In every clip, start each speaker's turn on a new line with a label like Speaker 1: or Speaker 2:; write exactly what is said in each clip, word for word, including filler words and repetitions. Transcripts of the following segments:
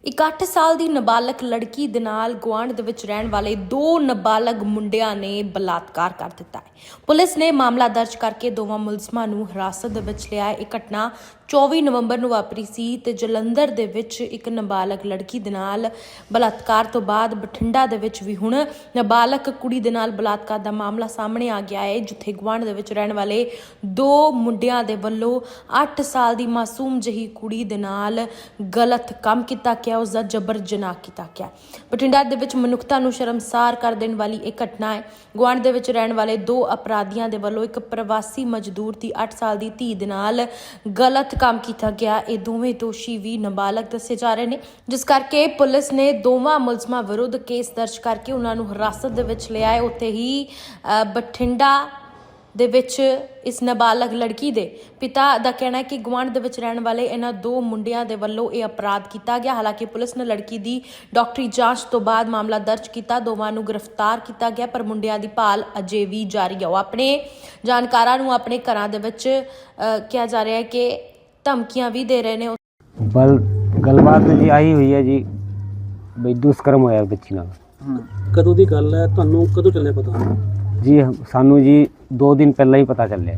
Speaker 1: ਇੱਕ ਅੱਠ ਸਾਲ ਦੀ ਨਾਬਾਲਗ ਲੜਕੀ ਦੇ ਨਾਲ ਗੁਆਂਢ ਦੇ ਵਿੱਚ ਰਹਿਣ ਵਾਲੇ ਦੋ ਨਾਬਾਲਗ ਮੁੰਡਿਆਂ ਨੇ ਬਲਾਤਕਾਰ ਕਰ ਦਿੱਤਾ ਹੈ। ਪੁਲਿਸ ਨੇ ਮਾਮਲਾ ਦਰਜ ਕਰਕੇ ਦੋਵਾਂ ਮੁਲਜ਼ਮਾਂ ਨੂੰ ਹਿਰਾਸਤ ਦੇ ਵਿੱਚ ਲਿਆ ਹੈ। ਇਹ ਘਟਨਾ ਚੌਵੀ ਨਵੰਬਰ ਨੂੰ ਵਾਪਰੀ ਸੀ ਤੇ ਜਲੰਧਰ ਦੇ ਵਿੱਚ ਇੱਕ ਨਾਬਾਲਗ ਲੜਕੀ ਦੇ ਨਾਲ ਬਲਾਤਕਾਰ ਤੋਂ ਬਾਅਦ ਬਠਿੰਡਾ ਦੇ ਵਿੱਚ ਵੀ ਹੁਣ ਨਾਬਾਲਗ ਕੁੜੀ ਦੇ ਨਾਲ ਬਲਾਤਕਾਰ ਦਾ ਮਾਮਲਾ ਸਾਹਮਣੇ ਆ ਗਿਆ ਹੈ, ਜਿੱਥੇ ਗੁਆਂਢ ਦੇ ਵਿੱਚ ਰਹਿਣ ਵਾਲੇ ਦੋ ਮੁੰਡਿਆਂ ਦੇ ਵੱਲੋਂ ਅੱਠ ਸਾਲ ਦੀ ਮਾਸੂਮ ਜਿਹੀ ਕੁੜੀ ਦੇ ਨਾਲ ਗਲਤ ਕੰਮ ਕੀਤਾ ਗਿਆ, ਉਸ ਦਾ ਜਬਰ ਜਨਾਹ ਕੀਤਾ ਗਿਆ। ਬਠਿੰਡਾ ਦੇ ਵਿੱਚ ਮਨੁੱਖਤਾ ਨੂੰ ਸ਼ਰਮਸਾਰ ਕਰ ਦੇਣ ਵਾਲੀ ਇਹ ਘਟਨਾ ਹੈ। ਗੁਆਂਢ ਦੇ ਵਿੱਚ ਰਹਿਣ ਵਾਲੇ ਦੋ ਅਪਰਾਧੀਆਂ ਦੇ ਵੱਲੋਂ ਇੱਕ ਪ੍ਰਵਾਸੀ ਮਜ਼ਦੂਰ ਦੀ ਅੱਠ ਸਾਲ ਦੀ ਧੀ ਦੇ ਨਾਲ ਗਲਤ ਕੰਮ ਕੀਤਾ ਗਿਆ। ਇਹ ਦੋਵੇਂ ਦੋਸ਼ੀ ਵੀ ਨਾਬਾਲਗ ਦੱਸੇ ਜਾ ਰਹੇ ਨੇ, ਜਿਸ ਕਰਕੇ ਪੁਲਿਸ ਨੇ ਦੋਵਾਂ ਮੁਲਜ਼ਮਾਂ ਵਿਰੁੱਧ ਕੇਸ ਦਰਜ ਕਰਕੇ ਉਹਨਾਂ ਨੂੰ ਹਿਰਾਸਤ ਦੇ ਵਿੱਚ ਲਿਆ ਹੈ। ਉੱਥੇ ਹੀ ਬਠਿੰਡਾ ਦੇ ਵਿੱਚ ਇਸ ਨਾਬਾਲਗ ਲੜਕੀ ਦੇ ਪਿਤਾ ਦਾ ਕਹਿਣਾ ਹੈ ਕਿ ਗੁਆਂਢ ਦੇ ਵਿੱਚ ਰਹਿਣ ਵਾਲੇ ਇਹਨਾਂ ਦੋ ਮੁੰਡਿਆਂ ਦੇ ਵੱਲੋਂ ਇਹ ਅਪਰਾਧ ਕੀਤਾ ਗਿਆ। ਹਾਲਾਂਕਿ ਪੁਲਿਸ ਨੇ ਲੜਕੀ ਦੀ ਡਾਕਟਰੀ ਜਾਂਚ ਤੋਂ ਬਾਅਦ ਮਾਮਲਾ ਦਰਜ ਕੀਤਾ, ਦੋਵਾਂ ਨੂੰ ਗ੍ਰਿਫਤਾਰ ਕੀਤਾ ਗਿਆ, ਪਰ ਮੁੰਡਿਆਂ ਦੀ ਭਾਲ ਅਜੇ ਵੀ ਜਾਰੀ ਹੈ। ਉਹ ਆਪਣੇ ਜਾਣਕਾਰਾਂ ਨੂੰ ਆਪਣੇ ਘਰਾਂ ਦੇ ਵਿੱਚ ਕਿਹਾ ਜਾ ਰਿਹਾ ਹੈ ਕਿ ਧਮਕੀਆਂ ਵੀ ਦੇ ਰਹੇ ਨੇ।
Speaker 2: ਬਲ ਗੱਲਬਾਤ ਜੀ ਆਈ ਹੋਈ ਹੈ ਜੀ, ਬਈ ਦੁਸ਼ਕਰਮ ਹੋਇਆ ਬੱਚੀ ਨਾਲ।
Speaker 3: ਕਦੋਂ ਦੀ ਗੱਲ ਹੈ, ਤੁਹਾਨੂੰ ਕਦੋਂ ਚੱਲਿਆ ਪਤਾ?
Speaker 2: ਜੀ ਸਾਨੂੰ ਜੀ ਦੋ ਦਿਨ ਪਹਿਲਾਂ ਹੀ ਪਤਾ ਚੱਲਿਆ।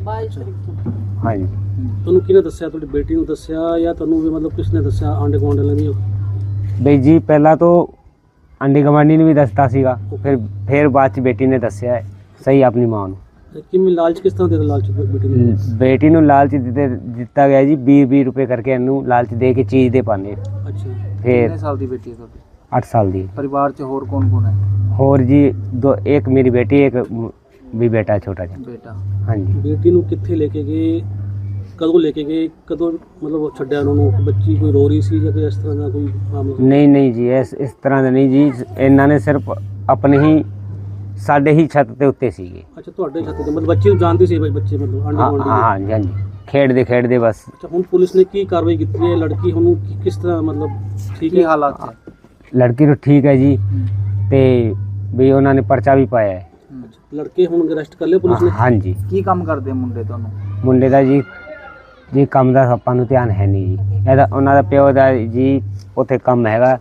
Speaker 2: ਹਾਂਜੀ।
Speaker 3: ਤੁਹਾਨੂੰ ਕਿਹਨੇ ਦੱਸਿਆ? ਤੁਹਾਡੀ ਬੇਟੀ ਨੂੰ ਦੱਸਿਆ ਜਾਂ ਤੁਹਾਨੂੰ ਵੀ ਮਤਲਬ ਕਿਸ ਨੇ ਦੱਸਿਆ? ਆਂਡੇ ਗੁਆਂਢ ਵਾਲੇ ਵੀ?
Speaker 2: ਬਈ ਜੀ ਪਹਿਲਾਂ ਤੋਂ ਆਂਢੀ ਗੁਆਂਢੀ ਨੇ ਵੀ ਦੱਸਤਾ ਸੀਗਾ, ਫਿਰ ਫਿਰ ਬਾਅਦ ਚ ਬੇਟੀ ਨੇ ਦੱਸਿਆ ਹੈ ਸਹੀ ਆਪਣੀ ਮਾਂ ਨੂੰ।
Speaker 3: ਕਿਵੇਂ ਲਾਲਚ ਕਿਸ ਤਰ੍ਹਾਂ ਦੇ ਲਾਲਚ ਬੇਟੀ ਨੂੰ?
Speaker 2: ਬੇਟੀ ਨੂੰ ਲਾਲਚ ਦਿੱਤੇ ਦਿੱਤਾ ਗਿਆ ਜੀ, ਵੀਹ ਵੀਹ ਰੁਪਏ ਕਰਕੇ ਇਹਨੂੰ ਲਾਲਚ ਦੇ ਕੇ ਚੀਜ਼ ਦੇ ਪਾਣੇ।
Speaker 3: ਅੱਛਾ।
Speaker 2: ਫਿਰ
Speaker 4: ਕਿੰਨੇ ਸਾਲ ਦੀ ਬੇਟੀ ਹੈ ਤੁਹਾਡੀ?
Speaker 2: ਅੱਠ ਸਾਲ ਦੀ।
Speaker 4: ਪਰਿਵਾਰ 'ਚ ਹੋਰ ਕੌਣ ਕੌਣ ਹੈ?
Speaker 2: ਹੋਰ ਜੀ ਦੋ, ਇੱਕ ਮੇਰੀ ਬੇਟੀ, ਇੱਕ ਵੀ ਬੇਟਾ ਛੋਟਾ ਜਿਹਾ।
Speaker 4: ਬੇਟਾ।
Speaker 2: ਹਾਂਜੀ।
Speaker 3: ਬੇਟੀ ਨੂੰ ਕਿੱਥੇ ਲੈ ਕੇ ਗਏ, ਕਦੋਂ ਲੈ ਕੇ ਗਏ, ਕਦੋਂ ਮਤਲਬ ਛੱਡਿਆ ਉਹਨਾਂ ਨੂੰ? ਬੱਚੀ ਕੋਈ ਰੋ ਰਹੀ ਸੀ ਜਾਂ ਕੋਈ ਇਸ ਤਰ੍ਹਾਂ ਦਾ ਕੋਈ ਮਾਮਲਾ?
Speaker 2: ਨਹੀਂ ਨਹੀਂ ਜੀ, ਇਸ ਇਸ ਤਰ੍ਹਾਂ ਦਾ ਨਹੀਂ ਜੀ, ਇਹਨਾਂ ਨੇ ਸਿਰਫ ਆਪਣੇ ਹੀ ਸਾਡੇ ਹੀ ਛੱਤ ਦੇ ਉੱਤੇ ਸੀਗੇ।
Speaker 3: ਅੱਛਾ, ਤੁਹਾਡੇ ਛੱਤ ਤੇ ਮਤਲਬ ਬੱਚੀ ਨੂੰ ਜਾਣਦੇ ਸੀ? ਬੱਚੇ ਮਤਲਬ ਆਂਡੇ
Speaker 2: ਹਾਂ
Speaker 3: ਗੁਆਂਢੀ?
Speaker 2: ਹਾਂਜੀ ਹਾਂਜੀ, ਖੇਡਦੇ ਖੇਡਦੇ ਬਸ।
Speaker 3: ਅੱਛਾ, ਹੁਣ ਪੁਲਿਸ ਨੇ ਕੀ ਕਾਰਵਾਈ ਕੀਤੀ ਹੈ? ਲੜਕੀ ਹੁਣ ਕਿਸ ਤਰ੍ਹਾਂ ਮਤਲਬ ਠੀਕ
Speaker 4: ਕੀ
Speaker 3: ਹੈ?
Speaker 4: ਹਾਲਾਤ ਹੈ?
Speaker 2: ਲੜਕੀ ਨੂੰ ਠੀਕ ਹੈ ਜੀ, ਤੇ ਵੀ ਉਹਨਾਂ ਨੇ ਪਰਚਾ ਵੀ ਪਾਇਆ ਹੈ।
Speaker 3: ਲੜਕੇ ਹੁਣ ਅਰੈਸਟ ਕਰ ਲਿਆ ਪੁਲਿਸ ਨੇ?
Speaker 2: ਹਾਂਜੀ।
Speaker 4: ਕੀ ਕੰਮ ਕਰਦੇ ਮੁੰਡੇ ਤੁਹਾਨੂੰ?
Speaker 2: ਮੁੰਡੇ ਦਾ ਜੀ ਜੀ ਕੰਮ ਦਾ ਆਪਾਂ ਨੂੰ ਧਿਆਨ ਹੈ ਨਹੀਂ ਜੀ। ਇਹਦਾ ਉਹਨਾਂ ਦਾ ਪਿਓ ਦਾ ਜੀ ਉੱਥੇ ਕੰਮ ਹੈਗਾ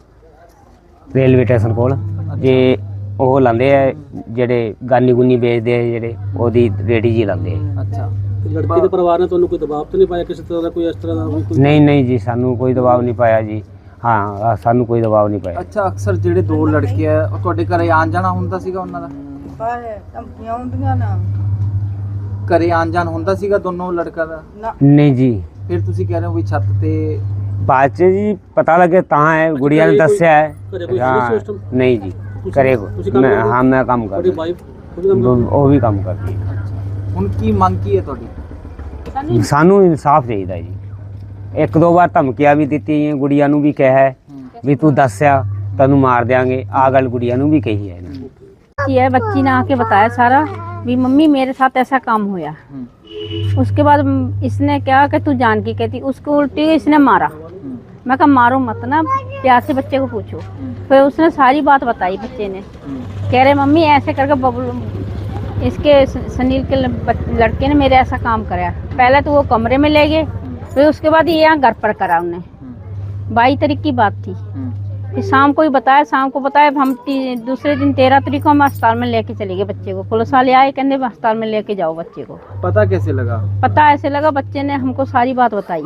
Speaker 2: ਰੇਲਵੇ ਸਟੇਸ਼ਨ ਕੋਲ, ਜੇ ਉਹ ਲਾਉਂਦੇ ਆ ਜਿਹੜੇ ਗਾਨੀ ਗੁਨੀ ਵੇਚਦੇ ਆ, ਜਿਹੜੇ ਉਹਦੀ ਰੇੜੀ ਜੀ ਲਾਉਂਦੇ ਆ।
Speaker 4: ਅੱਛਾ।
Speaker 3: ਤੇ ਲੜਕੀ ਦੇ ਪਰਿਵਾਰ ਨੇ ਤੁਹਾਨੂੰ ਕੋਈ ਦਬਾਅ ਤਾਂ ਨਹੀਂ ਪਾਇਆ ਕਿਸੇ ਤਰ੍ਹਾਂ ਦਾ? ਕੋਈ ਇਸ ਤਰ੍ਹਾਂ ਦਾ ਕੋਈ?
Speaker 2: ਨਹੀਂ ਨਹੀਂ ਜੀ, ਸਾਨੂੰ ਕੋਈ ਦਬਾਅ ਨਹੀਂ ਪਾਇਆ ਜੀ। ਹਾਂ, ਸਾਨੂੰ ਕੋਈ ਦਬਾਅ ਨਹੀਂ ਪਾਇਆ।
Speaker 4: ਅੱਛਾ, ਅਕਸਰ ਜਿਹੜੇ ਦੋ ਲੜਕੇ ਆ ਉਹ ਤੁਹਾਡੇ ਘਰੇ ਆਣ ਜਾਣਾ ਹੁੰਦਾ ਸੀਗਾ ਉਹਨਾਂ ਦਾ?
Speaker 5: ਧਮਕੀਆਂ ਹੁੰਦੀਆਂ ਨਾ,
Speaker 4: ਘਰੇ ਆਣ ਜਾਣ ਹੁੰਦਾ ਸੀਗਾ ਦੋਨੋਂ ਲੜਕਾ ਦਾ?
Speaker 2: ਨਹੀਂ ਜੀ।
Speaker 4: ਫਿਰ ਤੁਸੀਂ ਕਹਿ ਰਹੇ ਹੋ ਵੀ ਛੱਤ ਤੇ?
Speaker 2: ਬਾਅਦ ਚ ਜੀ ਪਤਾ ਲੱਗੇ ਤਾਂ ਹੈ, ਗੁੜੀਆ ਨੇ ਦੱਸਿਆ ਹੈ।
Speaker 3: ਘਰੇ ਕੋਈ
Speaker 2: ਹਾਂ,
Speaker 3: ਸਿਸਟਮ?
Speaker 2: ਨਹੀਂ ਜੀ
Speaker 3: ਤੁਸੀਂ-
Speaker 2: ਕਰੇ
Speaker 3: ਤੁਸੀਂ ਕੰਮ
Speaker 2: ਮੈਂ
Speaker 3: ਕਰਦੇ?
Speaker 2: ਹਾਂ ਮੈਂ ਕੰਮ
Speaker 3: ਤੁਹਾਡੀ
Speaker 2: ਕਰਦਾ।
Speaker 3: ਵਾਈਫ ਉਹ ਵੀ ਕੰਮ ਕਰਦੀ?
Speaker 2: ਉਹ ਵੀ ਕੰਮ ਕਰਦੀ ਹੈ।
Speaker 4: ਅੱਛਾ। ਹੁਣ ਕੀ ਮੰਗ ਕੀ ਹੈ ਤੁਹਾਡੀ?
Speaker 2: ਸਾਨੂੰ ਇਨਸਾਫ ਚਾਹੀਦਾ ਜੀ। ਇੱਕ ਦੋ ਵਾਰ ਧਮਕੀਆਂ ਵੀ ਦਿੱਤੀਆਂ, ਗੁੜੀਆ ਨੂੰ ਵੀ ਕਿਹਾ ਹੈ ਵੀ ਤੂੰ ਦੱਸਿਆ ਤੈਨੂੰ ਮਾਰ ਦਿਆਂਗੇ, ਆ ਗੱਲ ਗੁੜੀਆ ਨੂੰ भी कही है।
Speaker 6: है बच्ची ने आके बताया सारा भी मम्मी मेरे साथ ऐसा काम होया। उसके बाद इसने क्या कि तू जान की कहती, उसको उल्टी इसने मारा। मैं कहा मारो मत ना, प्यार से बच्चे को पूछो। फिर उसने सारी बात बताई बच्चे ने, कह रहे मम्मी ऐसे करके बबलू इसके सुनील के लड़के ने मेरे ऐसा काम कराया। पहले तो वो कमरे में ले गए, फिर उसके बाद ये यहाँ घर पर करा उन्हें। बाईस तारीख की बात थी। फिर शाम को ही बताया, शाम को बताया, हम दूसरे दिन तेरह तारीख को हम अस्पताल में लेके चले गए बच्चे को। पुलिस वाले आए, कहते अस्पताल में लेके जाओ बच्चे को।
Speaker 4: पता कैसे लगा?
Speaker 6: पता ऐसे लगा, बच्चे ने हमको सारी बात बताई।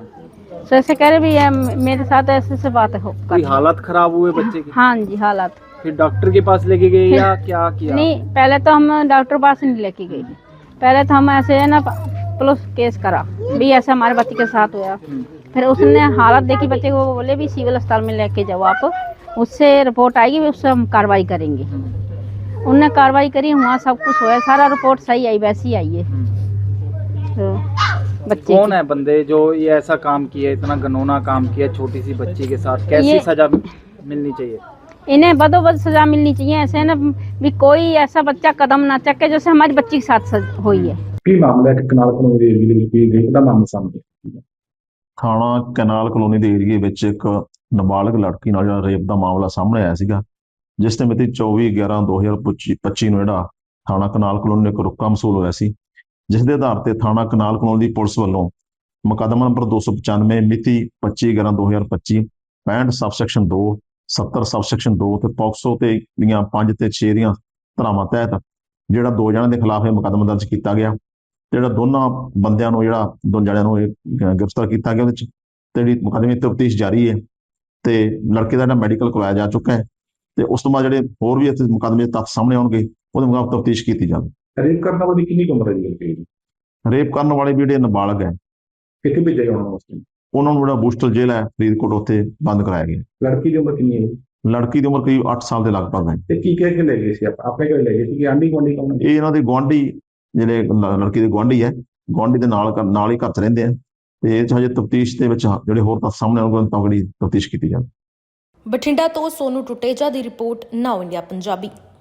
Speaker 6: तो ऐसे कह रहे भी मेरे साथ ऐसे ऐसे बात हो।
Speaker 4: कोई हालत खराब हुए बच्चे की?
Speaker 6: हाँ जी, हालात।
Speaker 4: फिर डॉक्टर के पास लेके गए या क्या किया?
Speaker 6: नहीं, पहले तो हम डॉक्टर पास नहीं लेके गए। पहले तो हम ऐसे है ना पुलिस केस करा भी ऐसे हमारे बच्चे के साथ हुआ। फिर उसने हालत देखी बच्चे को, बोले भी सिविल अस्पताल में लेके जाओ आप, उससे रिपोर्ट आएगी, उससे हम कार्रवाई करेंगे। उनने कार्रवाई करी, वहाँ सब कुछ हुआ, सारा रिपोर्ट सही आई, वैसी आई है। तो बच्चे
Speaker 4: कौन है बंदे जो ये ऐसा काम किया, इतना घिनौना काम किया छोटी सी बच्ची के साथ? कैसी सजा मिलनी चाहिए?
Speaker 6: इन्हें बदोबद सजा मिलनी चाहिए। ऐसे है ना भी कोई ऐसा बच्चा कदम ना चके जैसे हमारी बच्ची के साथ हुई है।
Speaker 7: ਕੀ ਮਾਮਲਾ ਹੈ? ਕਨਾਲ ਕਲੋਨੀ ਦੇ ਏਰੀਏ ਦੇ ਵਿੱਚ ਕੀ ਰੇਪ ਦਾ ਮਾਮਲਾ ਸਾਹਮਣੇ ਆਇਆ?
Speaker 8: ਥਾਣਾ ਕਨਾਲ ਕਲੋਨੀ ਦੇ ਏਰੀਏ ਵਿੱਚ ਇੱਕ ਨਾਬਾਲਗ ਲੜਕੀ ਨਾਲ ਜਿਹੜਾ ਰੇਪ ਦਾ ਮਾਮਲਾ ਸਾਹਮਣੇ ਆਇਆ ਸੀਗਾ, ਜਿਸ ਤੇ ਮਿਤੀ ਚੌਵੀ ਗਿਆਰਾਂ ਦੋ ਹਜ਼ਾਰ ਪੱਚੀ ਨੂੰ ਜਿਹੜਾ ਥਾਣਾ ਕਨਾਲ ਕਲੋਨੀ ਇੱਕ ਰੁਕਾ ਮਸੂਲ ਹੋਇਆ ਸੀ, ਜਿਸ ਦੇ ਆਧਾਰ ਤੇ ਥਾਣਾ ਕਨਾਲ ਕਲੋਨੀ ਦੀ ਪੁਲਿਸ ਵੱਲੋਂ ਮੁਕੱਦਮਾ ਨੰਬਰ ਦੋ ਸੌ ਪਚਾਨਵੇਂ ਮਿਤੀ ਪੱਚੀ ਗਿਆਰਾਂ ਦੋ ਹਜ਼ਾਰ ਪੱਚੀ ਪੈਂਹਠ ਸਬਸੈਕਸ਼ਨ ਦੋ, ਸੱਤਰ ਸਬਸੈਕਸ਼ਨ ਦੋ ਤੇ ਪੌਕਸੋ ਤੇ ਦੀਆਂ ਪੰਜ ਤੇ ਛੇ ਦੀਆਂ ਧਾਰਾਵਾਂ ਤਹਿਤ ਜਿਹੜਾ ਦੋ ਜਣਿਆਂ ਦੇ ਖਿਲਾਫ ਇਹ ਮੁਕੱਦਮਾ ਦਰਜ ਕੀਤਾ ਗਿਆ। ਤੇ ਜਿਹੜਾ ਦੋਨਾਂ ਬੰਦਿਆਂ ਨੂੰ ਜਿਹੜਾ ਦੋ ਜਣਿਆਂ ਨੂੰ ਇਹ ਗ- ਗ੍ਰਿਫਤਾਰ ਕੀਤਾ ਗਿਆ ਉਹਦੇ ਚ ਤੇ ਜਿਹੜੀ ਮੁਕੱਦਮੇ ਦੀ ਤਫਤੀਸ਼ ਜਾਰੀ ਹੈ ਤੇ ਲੜਕੇ ਦਾ ਜਿਹੜਾ ਮੈਡੀਕਲ ਕਰਵਾਇਆ ਜਾ ਚੁੱਕਾ ਹੈ ਤੇ ਉਸ ਤੋਂ ਬਾਅਦ ਜਿਹੜੇ ਹੋਰ ਵੀ ਇੱਥੇ ਮੁਕੱਦਮੇ ਦੇ ਤੱਥ ਸਾਹਮਣੇ ਆਉਣਗੇ ਉਹਦੇ ਮੁਤਾਬਕ ਤਫਤੀਸ਼ ਕੀਤੀ ਜਾਵੇ।
Speaker 7: ਰੇਪ ਕਰਨ ਵਾਲੀ ਕਿੰਨੀ ਕੁ ਉਮਰ ਹੈ ਜੀ ਲੜਕੇ ਦੀ?
Speaker 8: ਰੇਪ ਕਰਨ ਵਾਲੇ ਵੀ ਜਿਹੜੇ ਨਾਬਾਲਗ ਹੈ
Speaker 7: ਕਿੱਥੇ ਭੇਜਿਆ ਜਾਣਾ ਵਾਸਤੇ?
Speaker 8: ਉਹਨਾਂ ਨੂੰ ਜਿਹੜਾ ਬੂਸਟਰ ਜੇਲ੍ਹ ਹੈ ਫਰੀਦਕੋਟ ਉੱਥੇ ਬੰਦ ਕਰਾਇਆ ਗਿਆ।
Speaker 7: ਲੜਕੀ ਦੀ ਉਮਰ ਕਿੰਨੀ ਹੈ ਜੀ?
Speaker 8: ਲੜਕੀ ਦੀ ਉਮਰ ਕਰੀਬ ਅੱਠ ਸਾਲ ਦੇ ਲਗਭਗ ਹੈ।
Speaker 7: ਤੇ ਕੀ ਕਹਿ ਕੇ ਲੈ ਗਏ ਸੀ? ਆਪ- ਆਪਣੇ ਘਰੇ ਲੈ ਗਏ ਸੀ ਕਿ ਆਂਢੀ ਗੁਆਂਢੀ ਕੌਣ ਹੈ?
Speaker 8: ਇਹ ਇਹਨਾਂ ਦੇ ਗੁਆਂਢੀ ਜਿਹੜੇ ਲ- ਲੜਕੀ ਦੇ ਗੁਆਂਢੀ ਹੈ, ਗੁਆਂਢੀ ਦੇ ਨਾਲ ਘਰ- ਨਾਲ ਹੀ ਘਰ 'ਚ ਰਹਿੰਦੇ ਆ ਤੇ ਇਹ 'ਚ ਹਜੇ ਤਫਤੀਸ਼ ਦੇ ਵਿੱਚ ਜਿਹੜੇ ਹੋਰ ਤੱਥ ਸਾਹਮਣੇ ਆਉਣਗੇ ਤਗੜੀ ਤਫਤੀਸ਼ ਕੀਤੀ ਜਾਵੇ।
Speaker 1: ਬਠਿੰਡਾ ਤੋਂ ਸੋਨੂ ਟੁਟੇਜਾ ਦੀ ਰਿਪੋਰਟ ਨਾਓ ਇੰਡੀਆ ਪੰਜਾਬੀ।